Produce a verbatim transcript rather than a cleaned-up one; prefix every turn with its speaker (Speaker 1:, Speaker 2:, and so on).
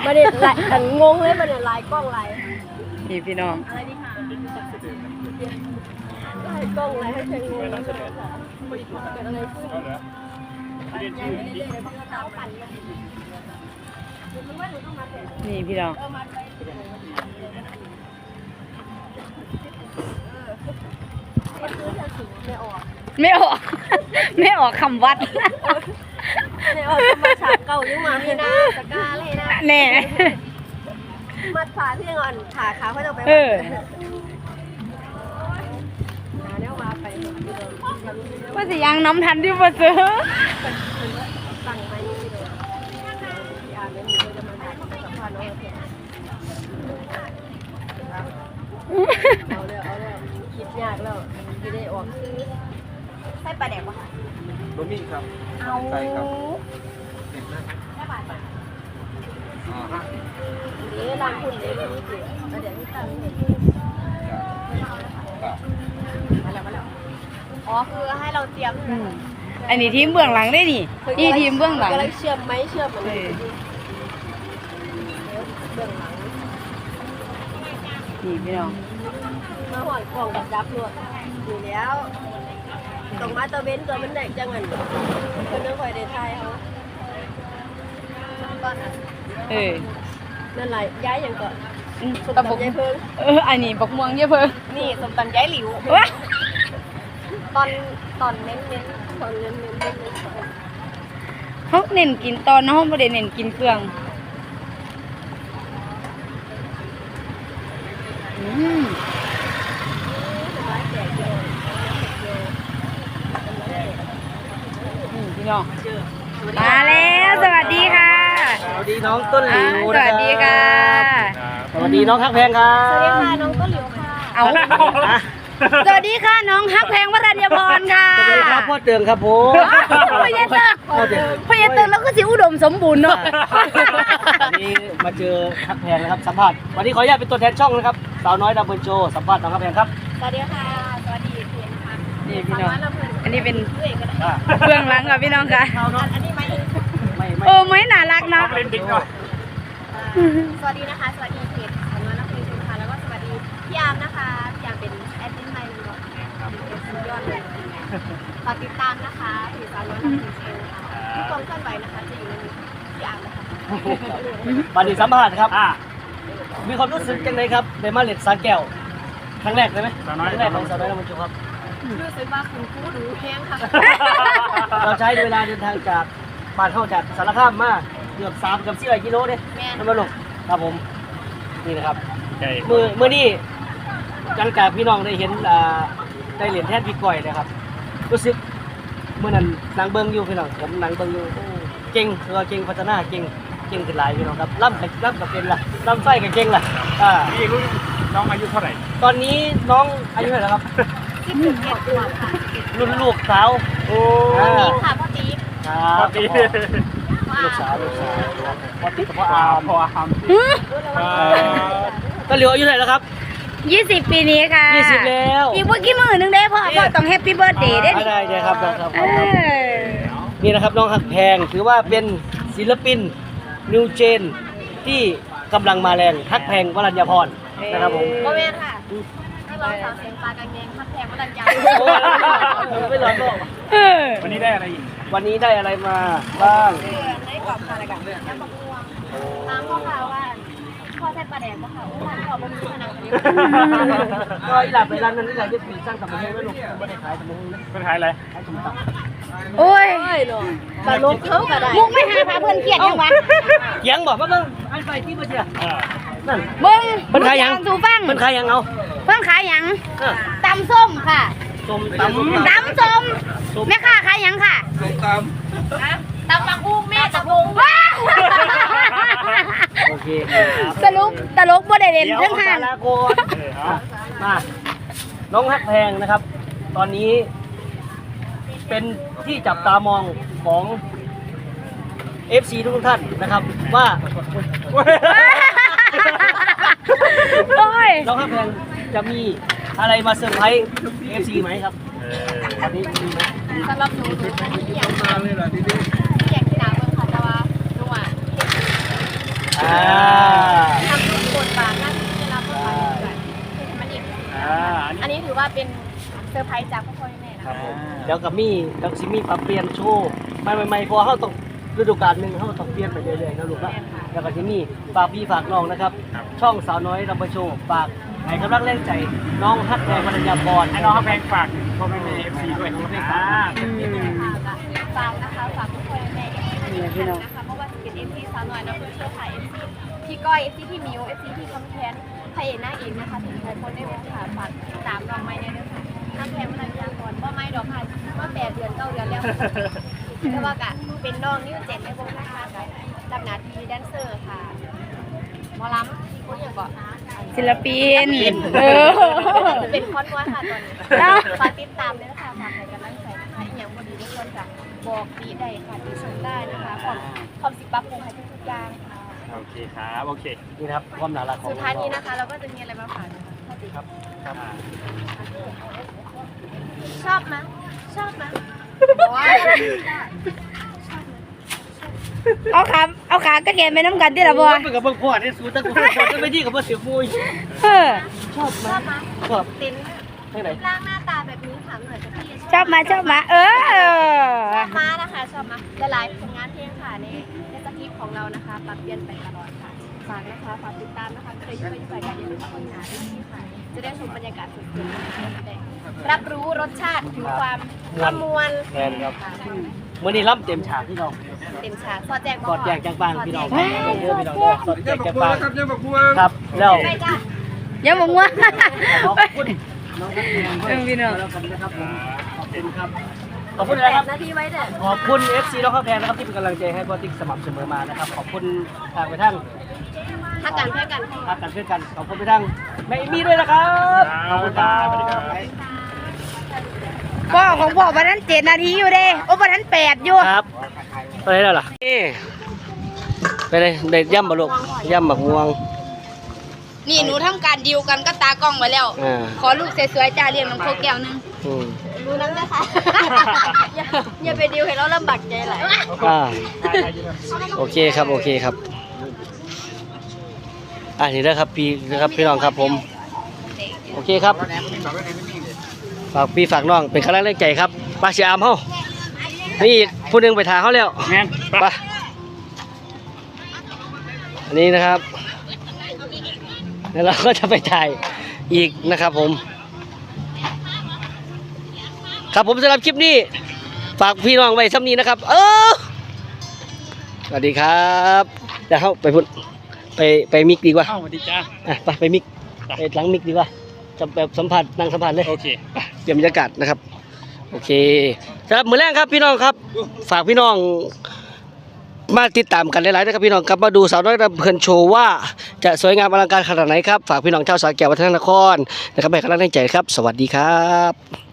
Speaker 1: มาเด็ดลายอันงงเลยมาเด็ดลายกล้องลาย
Speaker 2: นี่พี่น้อง
Speaker 1: อะไรนี่ค่ะลายกล้องลายให้เชิงงงเลยค่ะเกิดอะไรขึ้นยังไม่ได้เลยเพราะว่าเท้าปั่นเลยมันว่าหนูต้องมาเสร็จ
Speaker 2: นี่พี่น้อง
Speaker 1: เออมาไปมันคือจะถึงไม่ออก
Speaker 2: ไม่ออกไม่ออกคำวัด
Speaker 1: ไม่ออกมาฉากเก่ายังมามีนะตะกาเลยนะ
Speaker 2: แน่
Speaker 1: มัดขาที่อ่อนขาขาเขาจะไป
Speaker 2: เออ
Speaker 1: หาแนวมาไป
Speaker 2: ว่าสิยังน้ำทันที่มาซื้อ
Speaker 1: สั่งไปนี่เลยอ่านไม่มีจะมาถ่ายสัมภาษณ์น้องเพียเอาเลยเอาเลยคิดยากแล้วไม่ได้ออกใส่ปลาแดกวะ
Speaker 3: บะหมี่ครับ
Speaker 1: เอา
Speaker 3: ใช่ครับ
Speaker 1: แค่บาท
Speaker 3: อ๋อห้าสิบ
Speaker 1: นี้ร้านคุณเดี๋ยวนี้สิเดี๋ยวนี้ตั้งเห็นมาแล้วมาแล้วอ๋อคือให้เราเตรียม
Speaker 2: อันนี้ทีมเบื้องหลังได้นี่นี่ทีมเบื้องหลัง
Speaker 1: ก็เลยเชื่อมไหมเชื่อมมันเลยเบื้องหลัง
Speaker 2: นี่พี่น้อง
Speaker 1: มาหอยกล่องกับจับรวดอยู่แล้วตรงมาตัวเบนตัวมันแดกจังเงินคนนึกคอยเดทไทยเขาก้อนอ่ะ
Speaker 2: เออ
Speaker 1: นั่นแหละย้ายอย่างก่อนสม
Speaker 2: ตะบก
Speaker 1: ตำย้ายเพิ่ง
Speaker 2: เอออันนี้บักม่วงเยอะเพิ่ง
Speaker 1: นี่สมตำย้ายหลิว
Speaker 2: ว้า
Speaker 1: ตอนตอนเน้นเน้นตอนเน้นเน้นเน้น
Speaker 2: เขาเน้นกินตอนน้องไม่ได้เน้นกินเครื่องอืมนี่พี่น้องมาแล้วสวัสดีค่ะ
Speaker 3: สวัสดีน้องต้นหลิว
Speaker 2: อ่าสวัสดีค่ะ
Speaker 3: สวัสดีน้องฮักแพงครั
Speaker 1: สวัสดี
Speaker 3: บ
Speaker 1: ค่ะน้องต้นหลิวค่ะ
Speaker 2: เอาสวัสดีค่ะน้องฮักแพงวรัญญพรค่ะ
Speaker 3: สวัสดีครับพ่อเตืองครับผม
Speaker 2: พยาตึกพยาตึกแล้วก็สิอุดมสมบูรณ์เนาะ
Speaker 3: วันนี้มาเจอฮักแพงนะครับสัมภาษณ์วันนี้ขออนุญาตเป็นตัวแทนช่องนะครับสาวน้อยดับเบิลโจสัมภาษณ์น้องฮักแพงครับ
Speaker 1: สวัสดีค่ะสวัสดีเพียนค่ะ
Speaker 2: นี่พี่น้องอันนี้เป็น
Speaker 1: เพื่อนก็ได้
Speaker 3: อ่า
Speaker 2: เบื้องหลังค่ะพี่น้องค่ะ
Speaker 1: อันนี้ไม่
Speaker 3: ไม่ไม่
Speaker 2: โอ้ไม่น่ารักเนาะ
Speaker 3: เล่นดิ๊กหน่อย
Speaker 1: สวัสดีนะคะ สวัสดีเพจสำนักนักเพลงคุณค่ะแล้วก็สวัสดีพี่อาร์มนะคะพี่อาร์มเป็นแอดมินไทยเลยเนาะเป็นสุดยอดเลยฝากติดตามนะคะเพจสำนักนักเพลงคุณค่ะทุกความเคลื่อนไหวนะคะจะอยู่ในมือพี่อาร์มนะคะ
Speaker 3: วันนี้สัมภาษณ์ครับมีความรู้สึกยังไงครับได้มาเล่นสาแก้วครั้งแรกเลยไหมครั้งแรกของสาวน้อยดับเบิลโจครับ
Speaker 1: รู้สึกว่าคุณครูดูแพงค่ะ
Speaker 3: เราใช้เวลาเดินทางจากบ้านเข้าจากสารคามมาเกือบสามเกือบสี่กิโลเนี่ย
Speaker 1: แม่
Speaker 3: น้ำมันลงครับผมนี่นะครับมือมือนี่หลังจากพี่น้องได้เห็นอ่าได้เหรียญแทนพี่ก้อยนะครับรู้สึกเมื่อนั้นนางเบิ้งอยู่พี่น้องผมนางเบิ้งอยู่โอ้เก่งเราเก่งพัฒนาเก่งเก่งขึ้นหลายพี่น้องครับล่ำกับล่ำกับเป็นล่ะล่ำไส้กับเก่งล่ะอ่า
Speaker 4: พี่รุ่นน้องอายุเท่าไหร่
Speaker 3: ตอนนี้น้องอายุเท่าไหร่แล้วครับ
Speaker 1: ที่ถึงเก็บตัวค่ะ
Speaker 3: รุ่นลูกสาว
Speaker 4: โอ้
Speaker 1: พ่อติ๊กค่ะพ่อติ๊ก
Speaker 3: ครับ
Speaker 4: ปกติ
Speaker 3: ลูกสาวลูกสาวพอติดกับพ่ออา
Speaker 4: อา
Speaker 3: ร์ม
Speaker 4: พออาร์ม
Speaker 3: ก็เหลียวอายุเท่าไหร่แล้วครับ
Speaker 2: ยี่สิบปีนี้ค่ะ
Speaker 3: ยี่สิบแล้ว
Speaker 2: อีกว่ากี่มือหนึงได้พ่อพ่อต้องแฮปปี้เบิร์ดเดย์ได้ดิ
Speaker 3: ได้ได้ครับได้ครับ
Speaker 2: เออ
Speaker 3: นี่นะครับน้องหักแพงถือว่าเป็นศิลปินนิวเจนที่กำลังมาแรงฮักแพงวรัญญพรนะครับผม
Speaker 1: โมเมนค่ะให้เราสาวเสียงปลากางเกงพัดแพงวัดดันยา
Speaker 3: โอ้ยไม่ร้อนโลก
Speaker 2: เออ
Speaker 4: วันนี้ได้อะไรอีก
Speaker 3: วันนี้ได้อะไรมาบ้าง
Speaker 1: เพื่อนได้กรอบอะไรกันน้ำบักม่วงตามพ่อข่าวว่าพ่อใช้ปลาแดงพ่อข่าวว่าพ่อบะหมี่ขนาดนี้
Speaker 3: ก็อีหลับไปร้านนั้นนี่แหละที่ปีสร้างกับประเทศไม่ลงไม่ได้ขายแต่มึงนะ
Speaker 4: เป็นขายอะไร
Speaker 3: ขายสมตำ
Speaker 2: โอ้ย
Speaker 1: ใช่เนาะปลาลบเขาก็ได้
Speaker 2: มุกไม่หาพาเพื่อนเครียดยังวะ
Speaker 3: เถียงบอกว่าเบิ่งอันไปที่มาเชีย
Speaker 4: อ่า
Speaker 3: นั่น
Speaker 2: เบิ้ง
Speaker 3: เพิ่นขายหยัง
Speaker 2: สูฟัง
Speaker 3: มันขายยังเอา
Speaker 2: เพิ่นขายหยัง
Speaker 3: เออ
Speaker 2: ตำส้มค่ะ
Speaker 3: ส้มตำ
Speaker 2: ตำส้มแม่ค้าขายหยังค่ะ
Speaker 3: ส้มต
Speaker 1: ตำบักหุ่งแม่ตำบักหุ่ง
Speaker 2: ว้าว
Speaker 3: ำโอเคครับ
Speaker 2: สรุปตลกบ่ได้เล่น
Speaker 3: เดี๋ยว
Speaker 2: เรื่อง
Speaker 3: สา
Speaker 2: ห่าน
Speaker 3: รโกนมาน้องฮักแพงนะครับ ตอนนี้ เป็นที่จับตามองของ เอฟ ซี ทุกท่านนะครับ ว่า
Speaker 2: โอ้ย
Speaker 3: น้องฮักแพงจะมีอะไรมาเซอร์ไพรส์ เอฟ ซี ไหมครับ
Speaker 4: เออ
Speaker 3: วันนี้มีไหม
Speaker 1: สำหรับหนูหนูที่อยากมาเลยล่ะทีนี้อยากที่น้ำเมืองค่ะแต่ว่าหนูอ่ะ
Speaker 3: อ่า
Speaker 1: ทำทุกบทบาทหน้าที่ที่ได้รับบทบาทด้วยคือมันอีก
Speaker 4: อ่าอันนี้
Speaker 1: อันนี้ถือว่าเป็นเซอร์ไพรส์จากพ่อพ่อแม่นะ
Speaker 3: ครั
Speaker 1: คะ
Speaker 3: บผมเดี๋ยวกับมี่กับซิมี่ปรับเปลี่ยนโชว์ใหม่ๆๆพอเขาต้องฤดูกาลหนึ่งเขาต้องเปลี่ยนไปเรื่อยๆนะลูกนะแล้วก็ซิมี่ฝากพี่ฝากน้องนะครับ ช่องสาวน้อยรำเบอร์โชว์ฝากให้กำลังแรงใจน้องฮักแพงวรรณยาพร
Speaker 4: ให้น้องเขาแพงฝากพ่อแม่เอฟซีด้วยอ่า
Speaker 1: ฝากนะคะฝากทุกคนแม่เอฟซีนะคะเพราะว่าจะเป็นเอฟซีสาวน้อยนะเพื่อเชื่อค่ะเอฟซีพี่ก้อยเอฟซีพี่มิวเอฟซีพี่คำแคนพระเอกนางเอกนะคะถึงใครคนได้วงค่ะฝากติดตามน้องไม้ในเรื่องค่ะน้ำแพงวรรณยาพรว่าไม้ดอกค่ะว่าแปดเดือนเก้าเดือนแล้วแต่ว่ากะเป็นน้องนิ้วเจ็ดในวงนะคะกับดับนาทีแดนเซอร์ค่ะหมอลำคนอย่างก็
Speaker 2: ศิลปินเออ
Speaker 1: จะเป็นคอนวอยค่ะตอนนี้ฝากติดตามด้วยนะคะฝากให้กำลังใจนะคะอีกอย่างบนนี้ทุกคนจะบอกดีได้ค่ะดีชมได้นะคะความความสิบปรับปรุงให้ทุกๆอย่างค่ะ
Speaker 4: โอเคครับโอเค
Speaker 3: นี่นะครับความน่ารักของ
Speaker 1: สุดท้ายนี้นะคะ เราก็จะมีอะไรมาฝากนะคะ
Speaker 3: ครับครับ
Speaker 1: ชอบไหมชอบไหม
Speaker 2: เอาขาเอาขากระเทียมไปน้ำกันที่ละบัว
Speaker 3: เป็นกับเบิ่งพ่อได้สู้ตั้งกูพ่อจะไปที่กับเบิ่งเสียมุย
Speaker 2: เออ
Speaker 3: ชอบ
Speaker 1: ชอบไหม
Speaker 3: ชอบ
Speaker 1: เต็น
Speaker 3: ที่ไหน
Speaker 1: ร่างหน้าตาแบบนี้ถามหน่อยจะพี่
Speaker 2: ชอบมาชอบมาเออ
Speaker 1: ชอบมานะคะชอบมาหลายๆผลงานเพลงค่ะในในสคริปต์ของเรานะคะปรับเปลี่ยนไปตลอดค่ะฝากนะคะฝากติดตามนะคะเคยยุ่งไปยุ่งไปกันอย่าลืมค้นหาด้วยที่ค่ะจะได้ชมบรรยากาศสดๆนะคะจะได้รับรู้รสชาติถึงความละมวล
Speaker 3: แฟนครับมื่อนี้รับเต็มฉากพี่น้อง
Speaker 1: เต็มฉากสอดแจง
Speaker 3: กอดแจกจังปางพี่น้อง
Speaker 1: สอดแจง
Speaker 3: เยอะพี่น้องสอดแจกจังปาง
Speaker 4: ครับยังบักบัว
Speaker 3: ครับแล้ว
Speaker 1: ไปจ้ะ
Speaker 2: ยังบอกว่า
Speaker 3: ขอบคุณน้องนักเรียนด้วย
Speaker 2: เออพี่น้อง
Speaker 3: แล้วกันนะครับผมขอบคุณครับขอบคุณนะครับ
Speaker 1: นาทีไว้เด้อ
Speaker 3: ขอบคุณ เอฟ ซี น้องข้าวแพงนะครับที่เป็นกำลังใจให้บอติ๊กสม่ำเสมอมานะครับขอบคุณทางไปทั้ง
Speaker 1: ถ้ากันเพื่อกัน
Speaker 3: ทางกันเพื่อนกันขอบคุณไปทั้งแม่เอมี่ด้วยนะครับขอบคุณครับ
Speaker 4: สวัสดีครับ
Speaker 2: พ่อของพ่อวันนั้นเจ็ดนาทีอยู่เด้โอ้วันนั้นแปดอยู่
Speaker 3: ครับไปไหนแล้วล่ะนี่ไปเลยเด็ดย่ำบะลูกย่ำบักม่วง
Speaker 2: นี่หนูทำการดีลกันก็ตากล้องไว้แล้ว
Speaker 3: อ่า
Speaker 2: ขอลูกสวยๆจ้าเรียงน้ำโคกแก้วหนึง
Speaker 3: อืม
Speaker 1: รู้น้ำนะคะ อย่าอย่าไปดิวให้เราลำบากใจหลาย
Speaker 3: อ่าโอเคครับโอเคครับอ่านี่นะครับพี่นะครับพี่น้องครับผมโอเคครับฝากพี่ฝากน้องเป็นกำลังใจครับปลาเสียอามเฮานี่อีกผู้หนึงไปทาเขาแล้ว
Speaker 4: แม่น
Speaker 3: ไปอันนี้นะครับแล้วเราก็จะไปถ่ายอีกนะครับผมครับผมสำหรับคลิปนี้ฝากพี่น้องไว้ซ้ำนี้นะครับ เออสวัสดีครับเดี๋ยวเข้าไปพุ่นไปไปมิกดีกว่า
Speaker 4: เอ้าสวัสดีจ้า
Speaker 3: อ่ะไปไปมิกไปหลังมิกดีกว่าจะแบบสัมผัสนั่งสัมผัสเลย
Speaker 4: โอเค
Speaker 3: เปลี่ยนบรรยากาศนะครับโอเคสำหรับมือแรกครับพี่น้องครับ ฝากพี่น้องมาติดตามกันหลายๆนะครับพี่น้องครับมาดูสาวน้อยรำเพลินโชว์ว่าจะสวยงามอลังการขนาดไหนครับฝากพี่น้องชาวสระแก้ววัฒนนครนะครับให้กำลังใจครับ สวัสดีครับ